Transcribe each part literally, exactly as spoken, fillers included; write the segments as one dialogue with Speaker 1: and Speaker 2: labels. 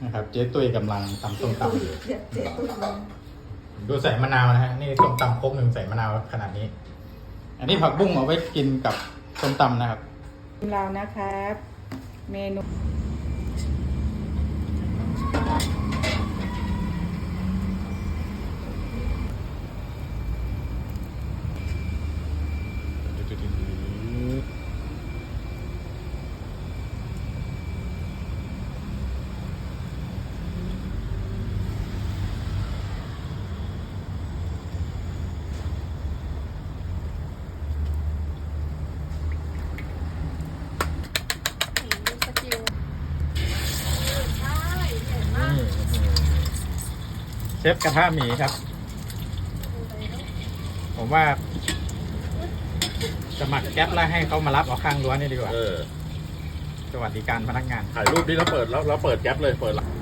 Speaker 1: นะครับเจ๊ตุ้ยกำลังตำส้มตำอยู่
Speaker 2: เจ๊ตุ้ย
Speaker 1: ดูใส่มะนาวนะฮะนี่ส้มตำครกหนึ่งใส่มะนาวขนาดนี้ อันนี้ผักบุ้งเอาไว้กินกับส้มตำนะครับ
Speaker 2: เรานะครับเมนู
Speaker 1: เชฟกระทะหมีครับ ผมว่าสมัครแก๊ปแล้วให้เขามารับเอาข้างรั้วนี่ดีกว่า
Speaker 3: เออ
Speaker 1: สวัสดิการพนักงาน
Speaker 3: ถ่ายรูปนี้แล้วเปิดแล้วเราเปิดแก๊ปเลยเปิดละ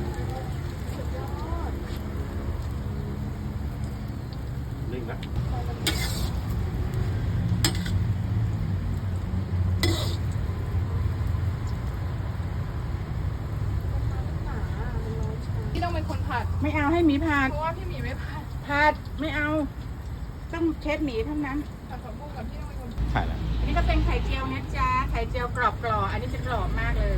Speaker 3: นิ่งนะ
Speaker 4: พี่ต้องเป็นคนผัด
Speaker 2: ไม่เอาให้หมีผัด
Speaker 4: เพราะว่าพี่หมีไม่ผัด
Speaker 2: ผัดไม่เอา ต้องเชฟหมีเท่านั้น
Speaker 4: ผัดผักบุ้งกับพี่ต้องเป็นคน
Speaker 1: ถ่ายแล้ว
Speaker 2: อันนี้ก็เป็นไข่เจียวนะจ๊ะไข่เจียวกรอบกรอบอันนี้จะกรอบมากเลย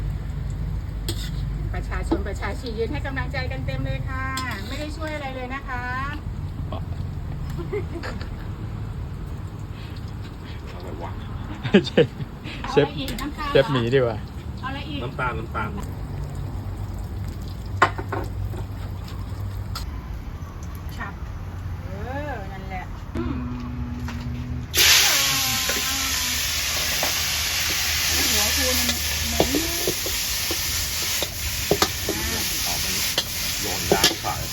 Speaker 2: ประชาชนประชาชียืนให้กำลังใจกันเต็มเลยค่ะ ไม่ได้ช่วยอะไรเลยนะคะ
Speaker 3: อะไรวะ
Speaker 1: เชฟ
Speaker 2: เอา
Speaker 1: เช
Speaker 2: อะ
Speaker 1: ฟ
Speaker 2: ไรอีกน้ำตาล
Speaker 1: เชฟหมีดีกว่า
Speaker 2: เอาอะไรอีก
Speaker 3: น้ำตาลน้ำตาล
Speaker 2: ฉับเออนั่นแหละหัวคูมันเหม็น
Speaker 3: เอาไปโยนยางขาย